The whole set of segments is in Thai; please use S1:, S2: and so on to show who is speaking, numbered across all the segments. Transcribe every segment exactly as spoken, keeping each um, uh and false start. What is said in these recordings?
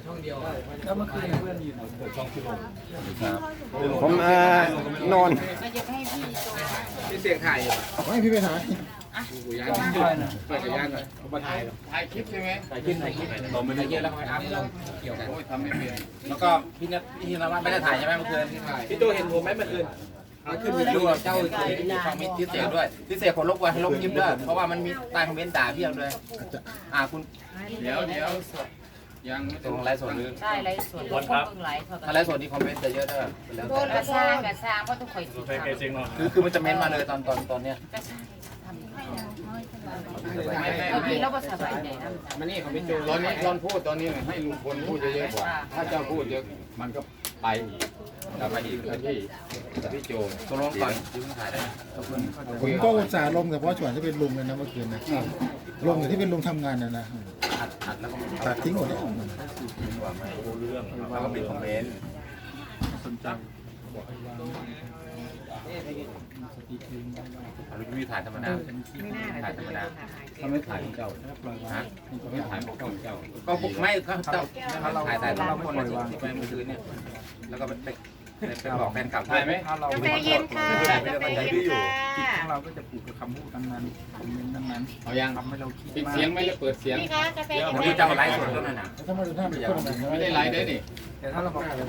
S1: ช่องเดียว
S2: แล้วเมื่อคืนเพื่อนอยู่ไหนเปิดช่องที่ลง
S3: ผมเอ่อนอน
S1: พี่เสียงถ่ายอยู่
S2: ไม่พี่ไปถ่าย
S1: กูย้ายด้วยนะไปกับย้ายหน่อยเขามาถ่าย
S4: ถ่ายคลิปใช่ไหม
S1: ถ่ายคลิปถ่ายคลิปเราไม่ได้เยอะแล้วทำให้เราเกี่ยวกัน
S4: ทำไม่เป็น
S1: แล้วก็พี่นัทพี่นวัดไม่ได้ถ่ายใช่ไหมเมื่อคืนพี่โจเห็นผมไหมเมื่อคืนเมื่อคืนมีดูเจ้าฟังมิตรที่เสียด้วยที่เสียคนลบกว่าให้ลบคลิปด้วยเพราะว่ามันมีใต้คอมเมนต์ด่าเพียบเลยอ่าคุณ
S4: เดี๋ยวเดี๋ยวยัง
S1: ตรงไลฟ์สดหรือ
S5: ใช่ไลฟ์สดคนเพิ่งไลฟ์
S1: ถ้าไลฟ์สดนี่คอมเมนต์จะเยอะด้วยแล้ว
S5: โดนกระซ่างกระซ่างเพราะทุกคนติดตาม
S1: คือคือมันจะเม้นมาเลยตอนตอนตอนเนี้ย
S5: บางทีเราก็สบายใจนะ
S1: มันนี่เขาไม่โจ
S4: ตอนนี้ตอนพูดตอนนี้ให้ลุงพลพูดเยอะๆกว่าถ้าเจ้าพูดเยอะมันก็ไปเราไปอีกที่พี่โจ
S1: ตกลงก่อนที่คุณถ่ายได้
S2: ผมก็อุตส่าห์ลงแต่เพราะส่วนที่เป็นลุงเลยนะเมื่อคืนนะลงแต่ที่เป็นลุงทำงานนะนะ
S1: อัดอัดแล้วก็
S2: ตัดทิ้งหมดแล้ว
S1: แล้วก็ปิดคอมเมนต์
S2: สนใจ
S1: เราไม่ถ่ายธรรมดาถ่ายธรรมดา
S4: เขาไม่ถ่ายของเจ้าฮะเขาไม่ถ่ายของเจ้า
S1: ก็ไม่ก็เจ้าถ่ายแต่เราคนเลยวางไปมือถือเนี่ยแล้วก็ไปไปบอกแฟนกลับ
S4: ถ่ายไหม
S5: กาแฟเย็นค่ะกาแฟเย็นค่ะ
S2: จิตของเราก็จะผูกกับคำพูดนั้นๆคอมเมนต์นั้นๆ
S4: เอายัง
S2: ทำให้เราคิด
S4: ปิด
S2: มาก
S4: เสียงไม่ได้เปิดเสียง
S5: นี่ค่ะกาแฟเย็น
S1: ผมจะเอาไลฟ์สดแล้วนะ
S2: ถ้ามาดูหน้าเป็นคนแบบ
S4: ไม่ได้ไลฟ์ได้นี่
S2: แต่ถ้าเราบอกใคร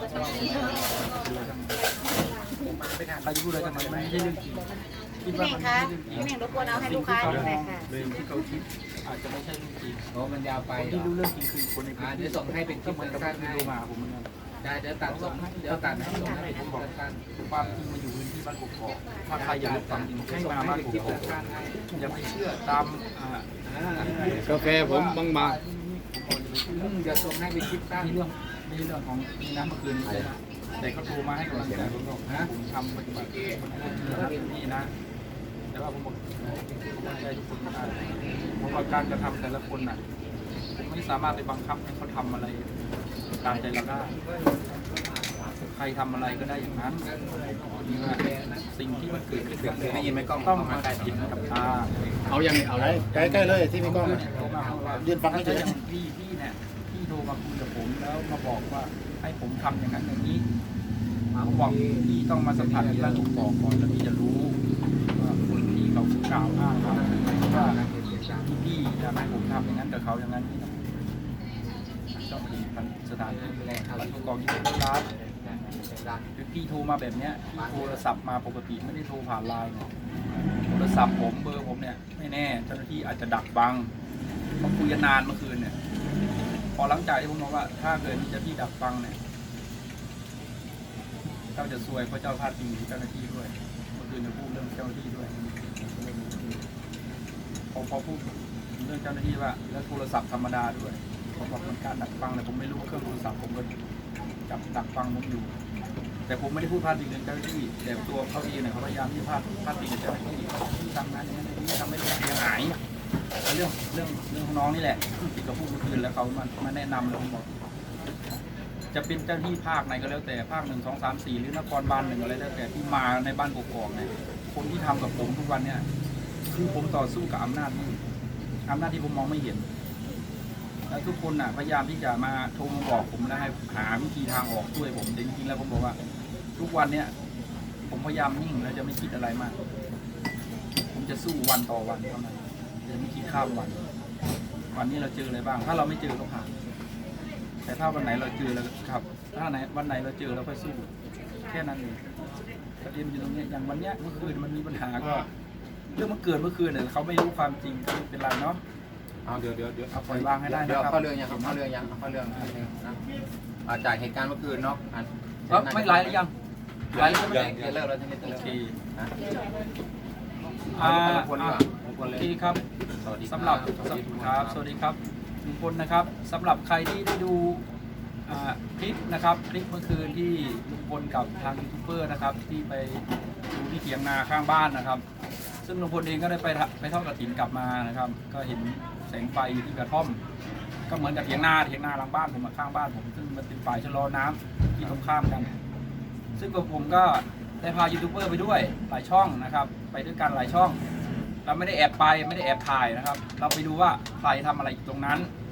S2: จะพูดอะไรกันมันไม่ใช่เรื่องจริงคิด
S5: พี่
S2: ว่า
S5: เน่
S2: มั
S5: ง
S2: น
S5: คะพี่เน่งรบกวนเอาให้ลูกค้าดูหน่อยค่ะ
S2: สิ่งที่เขาคิดอาจจะไม่ใช่เรื่องจริง
S1: โอ้มันยาวไป
S2: คนที่รู้เรื่องจริงคือคนในพื้น
S1: เดี๋
S2: ที่
S1: ยวส่งให้เป็นคลิป
S2: เหมือนกับ
S1: สั้น
S2: ที่
S1: ให้
S2: ดูมาผมเหมือนกัน
S1: ได้เดี๋ยวตัดส่งเดี๋ยวตัดให้ส่งให้เป็นคลิปสั้น
S2: ความจริงมาอยู่พื้นที่บ้านกกอกถ้าใครอยากรู้ความจริงให้มาบ้านกกอกอย่าไปเชื่อตามอ่าก
S4: าแฟผมบางบาง
S1: จะส่งให้เป็นคลิปสั้น
S2: มีเรื่องมีเรื่องของมีน้ำเมื่อคืนนี้นะแต่เขาโทรมาให้กำลังใจผมบอกนะผมทำปฏิบัตินี่นะแต่ว่าผมบอกกำลังใจทุกคนได้เพราะว่าการกระทำแต่ละคนน่ะผมไม่สามารถไปบังคับให้เขาทำอะไรตามใจเราได้ใครทำอะไรก็ได้อย่างนั้นนี่ว่าสิ่งที่มันเกิดขึ้นกับ
S1: ได้ยินไหมกล้อง
S2: ต้องมาเห็นกับตา
S4: เอายังเอาเลย
S2: ใกล้ๆเลยที่มีกล้องยืนฟังให้เฉยพี่พี่เนี่ยพี่โทรมาคุยกับผมแล้วมาบอกว่าให้ผมทำอย่างนั้นอย่างนี้ผมบอกพี่ต้องมาสัมผัสที่บ้านกกอกก่อนแล้วพี่จะรู้ว่าคนที่เขากล่าวอ้างว่าว่าพี่พี่อยากให้ผมทำอย่างนั้นกับเขาอย่างนั้นนี่ต้องเป็นสถานที่แรกบ้านกกอกยี่สิบล้านคือพี่โทรมาแบบเนี้ยพี่โทรศัพท์มาปกติไม่ได้โทรผ่านไลน์โทรศัพท์ผมเบอร์ผมเนี่ยไม่แน่เจ้าหน้าที่อาจจะดักบังเพราะคุยกันนานเมื่อคืนเนี่ยพอหลังจากที่ผมบอกว่าถ้าเกิดมีเจ้าที่ดักฟังเนี่ยเจ้าจะซวยเพราะเจ้าพลาดพิงเจ้าหน้าที่ด้วยเมื่อคืนจะพูดเรื่องเจ้าหน้าที่ด้วยพอพอพูดเรื่องเจ้าหน้าที่ว่าแล้วโทรศัพท์ธรรมดาด้วยผมบอกมันการดักฟังแต่ผมไม่รู้เครื่องโทรศัพท์ผมก็จับดักฟังผมอยู่แต่ผมไม่ได้พูดพลาดพิงเจ้าหน้าที่แต่ตัวเขาเองเนี่ยเขาพยายามที่จะพลาดพลาดพิงเจ้าหน้าที่ที่ทำงานอย่างนี้ทำให้เสียหายเรื่องเรื่องเรื่องของน้องนี่แหละที่เขาพูดเมื่อคืนแล้วเขามามาแนะนำแล้วผมบอกจะเป็นเจ้าที่ภาคไหนก็แล้วแต่ภาคหนึ่งสองสามสี่หรือนครบาลหนึ่งอะไรแล้วแต่ที่มาในบ้านกกอกเนี่ยคนที่ทำกับผมทุกวันเนี่ยคือผมต่อสู้กับอำนาจที่อำนาจที่ผมมองไม่เห็นแล้วทุกคนน่ะพยายามที่จะมาโทรมาบอกผมแล้วให้หาวิธีทางออกช่วยผมแต่จริงๆแล้วผมบอกว่าทุกวันเนี่ยผมพยายามนิ่งแล้วจะไม่คิดอะไรมากผมจะสู้วันต่อวันเท่านั้นจะไม่คิดข้ามวันวันนี้เราเจออะไรบ้างถ้าเราไม่เจอก็ผ่านแต่ถ้าวันไหนเราเจอแล้วครับถ้าไหนวันไหนเราเจอเราก็สู้แค่นั้นเองประเด็นอยู่ตรงนี้อย่างวันเนี้ยเมื่อคืนมันมีปัญหาก็เรื่องมันเกิดเมื่อคืนเนี่ยเขาไม่รู้ความจริงก็ไม่เป็นไรเนาะ
S1: เอาเดี๋ยวเดี๋ยวเดี๋ยว
S2: เอาปล่อยวางให้ได้นะครับ
S1: เดี๋ยวเข้าเรื่องยังเข้าเรื่องยังเข้าเรื่องนะจากเหตุการณ์เมื่อคืนเนาะ
S2: ไม่ไลฟ์หรือยังไลฟ์แล้ว
S1: ยังจะเลิกแล้วจะไม่เลิก
S2: โอเค
S1: นะ
S2: อ่า
S1: คนดีกว่าคน
S2: โอ
S1: เลย
S2: เคครับ
S1: สวัสดี
S2: สำหรับครับสวัสดีครับทุกคนนะครับสำหรับใครที่ได้ดูคลิปนะครับคลิปเมื่อคืนที่ลุงพลกับทางยูทูบเบอร์นะครับที่ไปดูที่เถียงนาข้างบ้านนะครับซึ่งลุงพลเองก็ได้ไปไปทอดกฐินกลับมานะครับก็เห็นแสงไฟอยู่ที่กระท่อมก็เหมือนกับเถียงนาเถียงนาหลังบ้านผมข้างบ้านผมซึ่งมันเป็นฝ่ายชะลอน้ำที่ตรงข้ามกันซึ่งกับผมก็ได้พายูทูบเบอร์ไปด้วยหลายช่องนะครับไปด้วยกันหลายช่องเราไม่ได้แอบไปไม่ได้แอบถ่ายนะครับเราไปดูว่าใครทำอะไรอยู่ตรงนั้น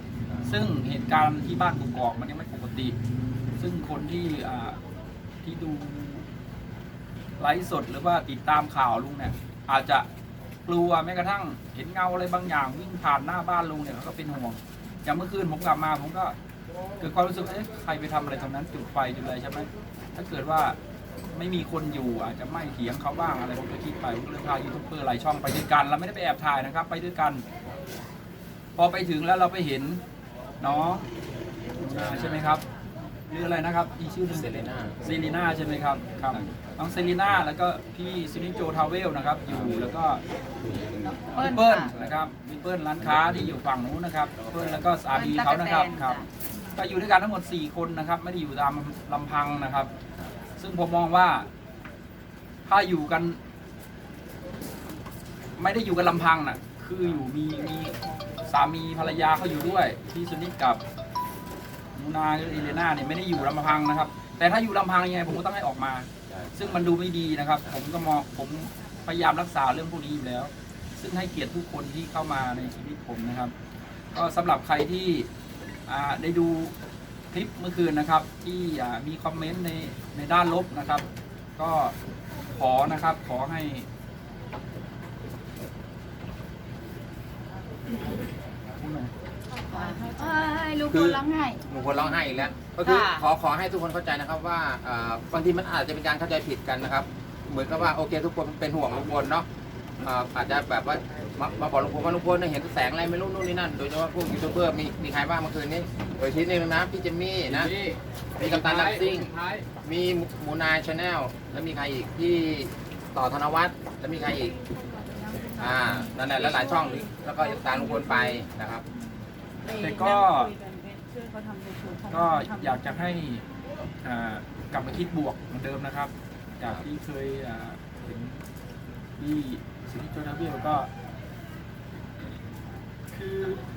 S2: ซึ่งเหตุการณ์ที่บ้านกกอกมันยังไม่ปกติ ซึ่งคนที่อ่าที่ดูไลฟ์สดหรือว่าติดตามข่าวลุงเนี่ยอาจจะกลัวแม้กระทั่งเห็นเงาอะไรบางอย่างวิ่งผ่านหน้าบ้านลุงเนี่ยเขาก็เป็นห่วงอย่างเมื่อคืนผมกลับมาผมก็เกิดความรู้สึกเอ๊ะใครไปทำอะไรตรงนั้นจุดไฟจุดอะไรใช่ไหมถ้าเกิดว่าไม่มีคนอยู่อาจจะไม่เถียงเขาบ้างอะไรผมก็คิดไปผมก็เลยพายูทูบเบอร์หลายช่องไปด้วยกันเราไม่ได้ไปแอบถ่ายนะครับไปด้วยกัน พอไปถึงแล้วเราไปเห็นน้องใช่ไหมครับหรืออะไรนะครับอีชื่อหนึ่ง
S1: เซเลน่า
S2: เซรีน่าใช่ไหมครับครับน้องเซรีน่าแล้วก็พี่ซินิโจทาวเวลนะครับอยู่แล้วก็พี่เปิ้ลนะครับพี่เปิ้ลร้านค้าที่อยู่ฝั่งนู้นนะครับเปิ้ลแล้วก็สามีเขานะครับครับก็อยู่ด้วยกันทั้งหมดสี่คนนะครับไม่ได้อยู่ตามลำพังนะครับ ซึ่งผมมองว่าถ้าอยู่กัน ไม่ได้อยู่กันลำพังน่ะคืออยู่มีมีสามีภรรยาเขาอยู่ด้วยพี่สุนิทกับมูนาหรืออิเลน่าเนี่ยไม่ได้อยู่ลำพังนะครับ แต่ถ้าอยู่ลำพังยังไงผมก็ต้องให้ออกมา ซึ่งมันดูไม่ดีนะครับ ผมก็มองผมพยายามรักษาเรื่องพวกนี้อยู่แล้ว ซึ่งให้เกียรติทุกคนที่เข้ามาในชีวิตผมนะครับ ก็สำหรับใครที่ได้ดูคลิปเมื่อคืนนะครับ ที่มีคอมเมนต์ในในด้านลบนะครับ ก็ขอนะครับขอให้
S5: ลูกคนร้องไห้
S1: หนูคนร้องไห้อีกแล้วก็คือ
S5: ค่ะ
S1: ขอขอให้ทุกคนเข้าใจนะครับว่าเอ่อบางทีมันอาจจะเป็นการเข้าใจผิดกันนะครับ เหมือนกับว่าโอเคทุกคนเป็นห่วงลุงพลเนาะอ่าอาจจะแบบว่ามามาบอกลุงพลว่าลุงพลเนี่ยเห็นแสงอะไรไม่รู้นู่นนี่นั่นโดยเฉพาะพวกยูทูบเบอร์มีมีใครบ้างเมื่อคืนนี้โดยที่นี่นะพี่เจมมี่นะมีกัปตันลักซิ่งมีหมูนายชาแนลแล้วมีใครอีกพี่ต่อธนวัฒน์แล้วมีใครอีกอ่านั่นแหละแล้วหลายช่องแล้วก็ตามลุงพลไปนะครับ
S2: แต่ก็ก็อยากจะให้อ่ากลับมาคิดบวกเหมือนเดิมนะครับ จากที่เคยอ่าเห็นที่สิทธิโจนาเวลก็ คือ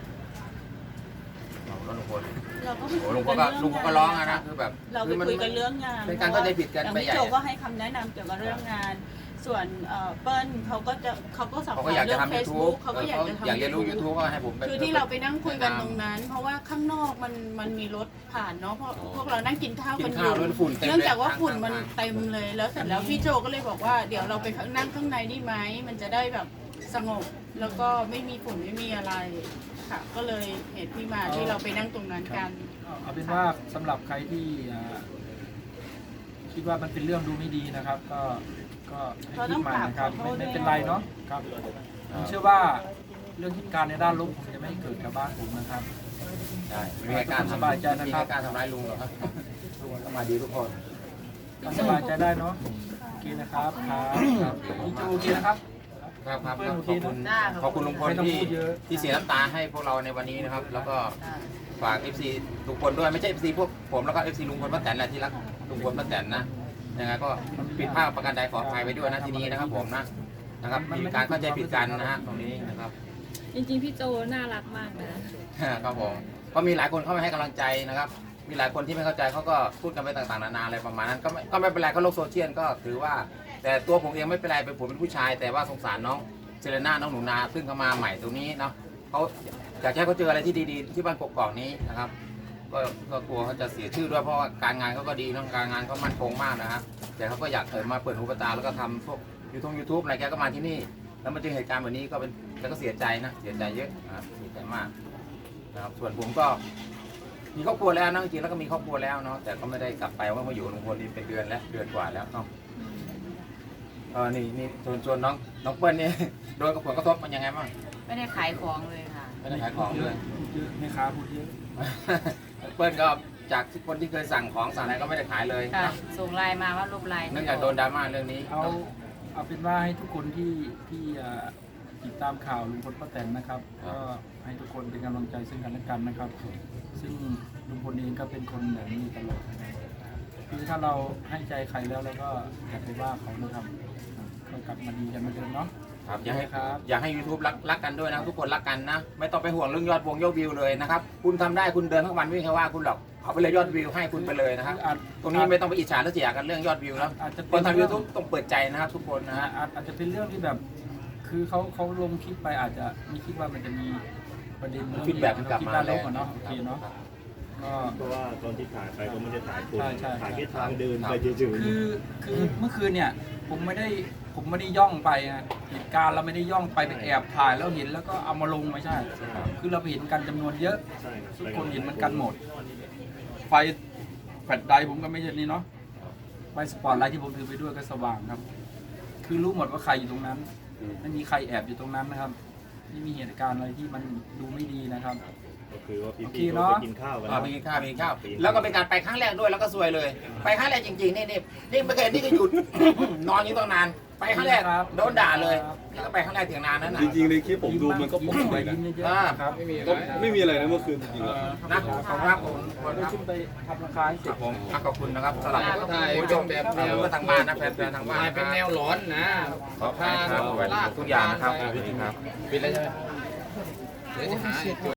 S1: ลุงพล
S6: เราก็
S1: โอ้ลุงพลก็ลุงพลก็ร้องอะนะคือแบบ
S6: เรา
S1: คื
S6: ไป
S1: อมัน
S6: คุยกันเรื่องงาน
S1: เป็นการเข้าใจผิดกัน
S6: อย่าง
S1: ไป
S6: พี่
S1: ใหญ่
S6: โจก็ให้คำแนะนำเกี่ยวกับเรื่องงาน ส่วนเอ่อเปิ้ลเขาก็จะเขาก็สับ
S1: เขา
S6: ส
S1: ก็
S6: น
S1: อยาก
S6: เรื่
S1: จะ
S6: อง
S1: ทำ
S6: เฟ
S1: ยู
S6: ซ
S1: ทู
S6: บุ๊
S1: บ
S6: กเขาก็อยากจะทำ
S1: อยากจะรู้ยูทูบก็ให้ผมไป
S6: คือที่เราไปนั่งคุยกันตรงนั้น เพราะว่าข้างนอกมันมันมีรถผ่านเนาะเพราะพวกเรานั่งกินข้าว
S1: กิ
S6: กัน นอ
S1: ข้าว
S6: ยู่
S1: แล้วฝุ่นเต็ม
S6: เนื่อง
S1: เลย
S6: จากว่าฝุ่นมัน
S1: ข้างๆ
S6: เต็มเลยแล้วเสร็จแล้วพี่โจก็เลยบอกว่าเดี๋ยวเราไปนั่งข้างในได้ไหมมันจะได้แบบสงบแล้วก็ไม่มีฝุ่นไม่มีอะไรค่ะก็เลยเหตุที่มาที่เราไปนั่งตรงนั้นกัน
S2: เอาเป็นว่าสำหรับใครที่อ่าคิดว่ามันเป็นเรื่องดูไม่ดีนะครับ ก็ก็ให้คิดใหม่นะครับไม่ไม่เป็นไรเนาะครับผมเชื่อว่าเรื่องเหตุการณ์ในด้านลบคงจะไม่เกิดกับบ้านผมนะครับ
S1: ใช่ไม่มีใครกล้าร
S2: สบายใจนะครับ
S1: ไม่มีใครกล้ารทำร้ายลุงหรอกครับต้องมาดีทุกคน
S2: ก็สบายใจได้เนาะโอเคนะครับครับพี่จูโอเคนะครับ
S1: ครับครับ
S2: เพื่อน
S1: ข
S2: โอ
S1: อบ
S2: เค
S1: คุณ
S2: นะ
S1: ขอบคุณลุงพล
S2: ไม่ต้อง
S1: ที่
S2: พูดเยอะ
S1: ที่เสียน้ำตาให้พวกเราในวันนี้นะครับ แล้วก็ฝาก เอฟ ซี ทุกคนด้วยไม่ใช่ เอฟ ซี พวกผมแล้วก็ เอฟ ซี ลุงพลป้าแตนแหละที่รักลุงพลป้าแตนนะยังไงก็ผิดพลาดประการใดขออภัยไปด้วยนะที่นี้นะครับผมนะนะครับมีการเข้าใจผิดกันนะฮะตรงนี้นะครับ
S7: จริงๆ พี่โจน่ารักมากนะ
S1: ครับผมก็มีหลายคนเข้ามาให้กำลังใจนะครับ มีหลายคนที่ไม่เข้าใจเขาก็พูดกันไปต่างๆนานาอะไรประมาณนั้นก็ไม่ก็ไม่เป็นไรก็โลกโซเชียลก็ถือว่า แต่ตัวผมเองไม่เป็นไรเป็นผมเป็นผู้ชาย แต่ว่าสงสารน้องเซเลน่าน้องหนูนาซึ่งเขามาใหม่ตรงนี้เนาะเขาอยากให้เขาเจออะไรที่ดีๆที่บ้านกกอกนี้นะครับก็ก็กลัวเขาจะเสียชื่อด้วยเพราะว่าการงานเขาก็ดีเนาะการงานเขามั่นคงมากนะครับแต่เขาก็อยากเออมาเปิดหูเปิดตาแล้วก็ทำพวกยูทูบยูทูบอะไรแกก็มาที่นี่ แล้วมาเจอเหตุการณ์แบบนี้ก็เป็นแกก็เสียใจนะเสียใจเยอะนะครับเสียใจมากนะครับส่วนผมก็มีครอบครัวแล้วนะจริงๆแล้วก็มีครอบครัวแล้วเนาะแต่ก็ไม่ได้กลับไปว่ามาอยู่กับลุงพลนี่เป็นเดือนแล้วเดือนกว่าแล้วเนาะเออนี่นี่ชวนชวนน้องน้องเปิ้ลนี่ โดนกับผลกระทบมันยังไงบ้าง
S5: ไม่ได้ขายของเลยค่ะ
S1: ไม่ได้ขายของเลย
S2: พูดเยอะแม่ค้าพูดเยอะ
S1: เปิ้ลก็จากคนที่เคยสั่งของสั่งอะไรก็ไม่ได้ขายเลย
S5: ค่ะ ส่งไลน์มาว่ารูปไลน์
S1: เนื่องจากโดนดราม่าเรื่องนี้
S2: เอาเอาเป็นว่าให้ทุกคนที่ที่อ่าติดตามข่าวลุงพลป้าแตนนะครับ ก็ให้ทุกคนเป็นกำลังใจซึ่งกันและกันนะครับ ซึ่งลุงพลเองก็เป็นคนแบบนี้ตลอดนะครับคือถ้าเราให้ใจใครแล้วแล้วก็อย่าไปว่าเขานะครับก็กลับมาดีกันเหมือนเดิมเนาะ
S1: ครับอย่าให้
S2: ครับ
S1: อย่าให้ ยูทูบ รักรักกันด้วยนะทุกคนรักกันนะ ไม่ต้องไปห่วงเรื่องยอดวงยอดวิวเลยนะครับคุณทำได้คุณเดินทั้งวันไม่มีใครว่าคุณหรอกเอาไปเลยยอดวิวให้คุณไปเลยนะครับ
S2: อาจ
S1: ตรงนี้ไม่ต้องไปอิจฉาและเสียกันเรื่องยอดวิวแล้ว
S2: อาจจะ
S1: คนทำยูทูบต้องเปิดใจนะครับทุกคนนะ
S2: นะ
S1: ฮะ
S2: ฮะอาจอาจจะเป็นเรื่องที่แบบ คือเขาเขาลงคลิปไปอาจจะไม่คิดว่ามันจะมีประเด็น
S1: ฟีดแบ็กมันกลับมา
S2: ด้านล
S1: แล้ว
S2: บอะเนาะโอเคเนาะก็
S8: เพราะว่าตอนที่ถ่ายไปก็ไม่ได้ถ่ายคน
S2: ใช่ใช่
S8: ถ่ายแค่ทางเดินไปเฉย
S2: คือคือเมื่อคืนเนี่ยผมไม่ได้ผมไม่ได้ย่องไปนะเหตุการณ์เราไม่ได้ย่องไปไปแอบถ่ายแล้วเห็นแล้วก็เอามาลงไม่ใช่ คือเราไปเห็นกันจำนวนเยอะ
S8: ๆใช่รับ
S2: ทุกคนเห็นมันกันหมด ไฟแฟลชไดรฟ์ผมก็ไม่ใช่นี่เนาะไฟสปอตไลท์ที่ผมถือไปด้วยก็สว่างครับ คือรู้หมดว่าใครอยู่ตรงนั้น ไม่มีใครแอบอยู่ตรงนั้นนะครับไม่มีเหตุการณ์อะไรที่มันดูไม่ดีนะครับ
S8: ก็คือว่า
S2: โอเค
S8: พี่ๆ
S2: เน
S8: เขา
S2: อะ
S8: ไปกินข้าวกัน
S1: อ่า
S8: เนาะ
S1: ไปกินข้าวไปกินข้าวแล้วก็เป็นการไปครั้งแรกด้วยแล้วก็ซวยเลย ไปครั้งแรกจริงๆนี่นี่นี่ไม่เคยนี่ก็หยุด นอนอยู่ตั้งนาน ไปครั้งแรกโดนด่าเลยนี่ก็ไปครั้งแรกถึงนานนั้นนะ
S9: จริงๆในคลิปผมดูมันก็ปกตินะ
S2: ยิ้มเยอะ
S1: อ่า
S2: ๆครับ
S9: ก็ไม่มีอะไรนะเมื่อคืนจริงๆแล้ว
S1: นะขอบคุณครับผมขอบคุณครับ
S2: ขึ้นไปทำราคาให้เส
S1: ค
S2: ร็
S1: รั
S2: จ
S1: บผมอ่ะขอบคุณนะครับสำหรับ
S4: ถ่าย
S1: ผู้ชม
S4: เป็นแบบแนว
S1: ทางบ้านนะแฟนๆทางบ้าน
S4: ถ่ายเป็นแนวหลอนนะ
S1: ขอบคุณครับทุกอย่างนะครับ
S4: ปิดแล้วใช่ไหมเดี๋ยวจะหา